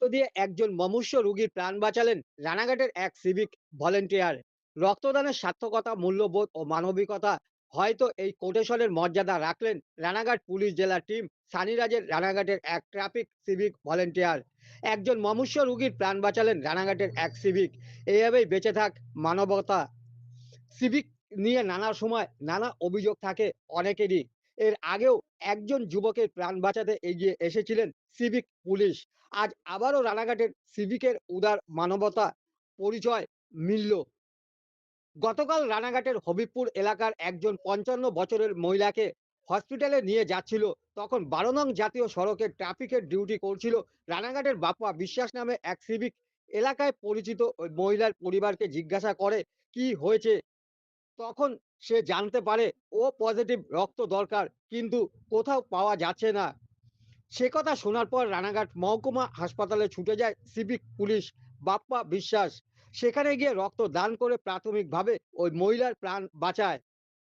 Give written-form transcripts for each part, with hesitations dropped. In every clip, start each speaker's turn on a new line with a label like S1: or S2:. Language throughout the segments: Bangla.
S1: রক্ত দিয়ে একজন মুমূর্ষু রোগীর প্রাণ বাঁচালেন রানাঘাটের এক সিভিক ভলেন্টিয়ার। রক্তদানের সার্থকতা, মূল্যবোধ ও মানবিকতা হয়তো এই কোটেশনের মর্যাদা রাখলেন রানাঘাট পুলিশ জেলার টিম সানিরাজের রানাঘাটের এক ট্রাফিক সিভিক ভলেন্টিয়ার। একজন মুমূর্ষু রোগীর প্রাণ বাঁচালেন রানাঘাটের এক সিভিক। এইভাবেই বেঁচে থাক মানবতা। সিভিক নিয়ে নানা সময় নানা অভিযোগ থাকে অনেকেরই। এর আগেও একজন যুবকের প্রাণ বাঁচাতে এগিয়ে এসেছিলেন সিভিক পুলিশ। আজ আবারও রানাঘাটের সিভিকের উদার মানবতা পরিচয় মিলল। গতকাল রানাঘাটের হবিবপুর এলাকার একজন ৫৫ বছরের মহিলাকে হসপিটালে নিয়ে যাচ্ছিল। তখন ১২ নং জাতীয় সড়কে ট্রাফিকের ডিউটি করছিল রানাঘাটের বাপ্পা বিশ্বাস নামে এক সিভিক। এলাকায় পরিচিত ওই মহিলার পরিবারকে জিজ্ঞাসা করে কি হয়েছে। তখন সে জানতে পারে ও পজিটিভ রক্ত দরকার, কিন্তু কোথাও পাওয়া যাচ্ছে না। সে কথা শোনার পর রানাঘাট মহকুমা হাসপাতালে ছুটে যায় সিভিক পুলিশ বাপ্পা বিশ্বাস। সেখানে গিয়ে রক্ত দান করে প্রাথমিকভাবে ওই মহিলার প্রাণ বাঁচায়।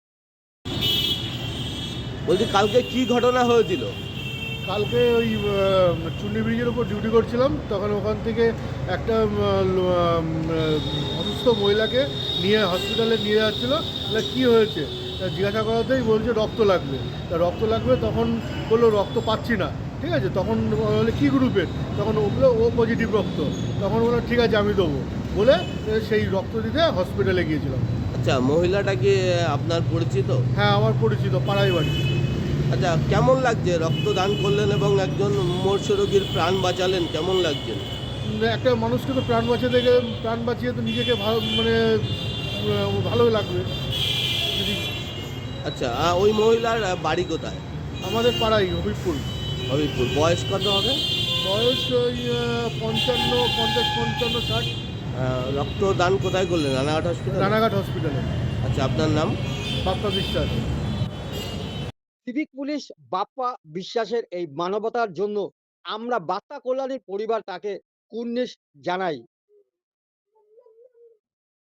S2: বলছি কালকে কি ঘটনা হয়েছিল?
S3: কালকে ওই চুন্ডি ব্রিজের উপর ডিউটি করছিলাম, তখন ওখান থেকে একটা অসুস্থ মহিলাকে নিয়ে হসপিটালে নিয়ে যাচ্ছিলো। তাহলে কী হয়েছে তা জিজ্ঞাসা করাতেই বলছে রক্ত লাগবে। তা রক্ত লাগবে, তখন বললো রক্ত পাচ্ছি না। ঠিক আছে, তখন বলে কী গ্রুপের, তখন ওগুলো ও পজিটিভ রক্ত। তখন বললো ঠিক আছে আমি দেবো বলে সেই রক্ত দিতে হসপিটালে গিয়েছিলাম।
S2: আচ্ছা, মহিলাটা কি আপনার পরিচিত?
S3: হ্যাঁ, আমার পরিচিত, পাড়াই বাড়ি।
S2: আচ্ছা, কেমন লাগছে রক্তদান করলেন এবং একজন মুমূর্ষ রোগীর প্রাণ বাঁচালেন, কেমন লাগছে?
S3: একটা মানুষকে তো প্রাণ বাঁচিয়ে তো নিজেকে ভালো মানে ভালোই লাগবে যদি।
S2: আচ্ছা, ওই মহিলার বাড়ি কোথায়?
S3: আমাদের পাড়াই হবিবপুর।
S2: হবিপুর। বয়স কত হবে?
S3: বয়স ওই ৫৫, ৫০, ৫৫, ৬০।
S2: রক্তদান কোথায় করলেন? রানাঘাট হসপিটাল?
S3: রানাঘাট হসপিটালে।
S2: আচ্ছা, আপনার নাম?
S3: বাপ্পা বিশ্বাস।
S1: সিভিক পুলিশ বাপ্পা বিশ্বাসের এই মানবতার জন্য আমরা বার্তা কল্যাণীর পরিবার তাকে কুর্নিশ জানাই।